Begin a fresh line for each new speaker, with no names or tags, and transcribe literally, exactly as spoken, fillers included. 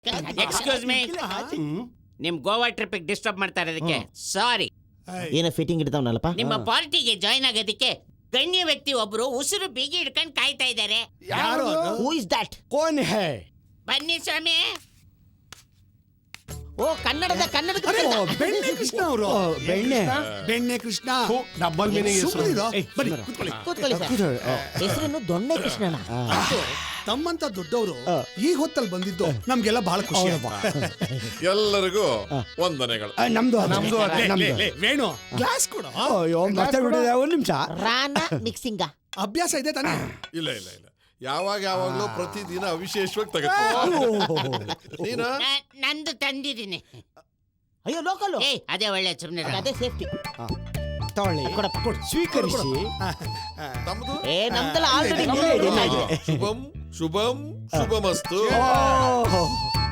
Excuse me, ನಿಮ್ Goa trip disturb ಮಾಡ್ತಾ ಇರೋದಕ್ಕೆ ಸಾರಿ.
ಏನೋ ಫಿಟ್ಟಿಂಗ್ ಇಡ್ತಾವನಲ್ಲಪ್ಪ.
ನಿಮ್ಮ ಪಾರ್ಟಿಗೆ ಜಾಯ್ನ್ ಆಗೋದಕ್ಕೆ ಗಣ್ಯ ವ್ಯಕ್ತಿ ಒಬ್ರು ಉಸಿರು ಬಿಗಿ ಹಿಡ್ಕೊಂಡು ಕಾಯ್ತಾ ಇದ್ದಾರೆ.
ಯಾರು?
Who is that?
ಕೋನ್ ಹೇ?
ಬನ್ನಿ ಸ್ವಾಮಿ.
ಓ ಕನ್ನಡದ ಕನ್ನಡದ
ಓ, ಬೆಣ್ಣೆ ಕೃಷ್ಣ ಅವರು.
ಬೆಣ್ಣೆ
ಬೆಣ್ಣೆ ಕೃಷ್ಣ.
ಡಬಲ್ ಮೀನಿಂಗ್
ಸುಮ್ಮನಿರು. ಬನ್ನಿ ಕೂತ್ಕೊಳ್ಳಿ.
ಕೂತ್ಕೊಳ್ಳಿ ಸರ್. ಹೆಸರೇನು ದೊಣ್ಣೆ ಕೃಷ್ಣನ?
ತಮ್ಮಂತ ದೊಡ್ಡವರು ಈ ಹೊತ್ತಲ್ಲಿ ಬಂದಿದ್ದು ನಮ್ಗೆಲ್ಲ ಬಹಳ ಖುಷಿ ಆಯ್ತು.
ಎಲ್ಲರಿಗೂ ವಂದನೆಗಳು.
ನಮ್ದು
ನಮ್ದು ಅದೇ.
ಲೇ, ಲೇ, ಲೇ, ವೇಣು ಗ್ಲಾಸ್ ಕೊಡು.
ಒಂದ್ ನಿಮಿಷ.
ರಾನ ಮಿಕ್ಸಿಂಗ
ಅಭ್ಯಾಸ ಇದೆ ತಾನೇ?
ಇಲ್ಲ ಇಲ್ಲ ಇಲ್ಲ ಯಾವಾಗ ಯಾವಾಗ್ಲೂ ಪ್ರತಿದಿನ ವಿಶೇಷವಾಗಿ ತಗೋ. ನೀನ
ನ- ನಂದು ತಂದಿದ್ದೀನಿ.
ಅಯ್ಯೋ ಲೋಕಲ್.
ಏ ಅದೇ ಒಳ್ಳೆ ಸುಮ್ಮನೆ.
ಅದೇ ಸೇಫ್ಟಿ.
ತಗೊಳ್ಳಿ,
ಕೊಡಪ್ಪ.
ಸ್ವೀಕರಿಸಿ.
ತಮ್ಮದು
ಏ ನಮ್ದೆಲ್ಲ ಆಲ್ರೆಡಿ
ಶುಭಂ ಶುಭಮಸ್ತು.
ಓ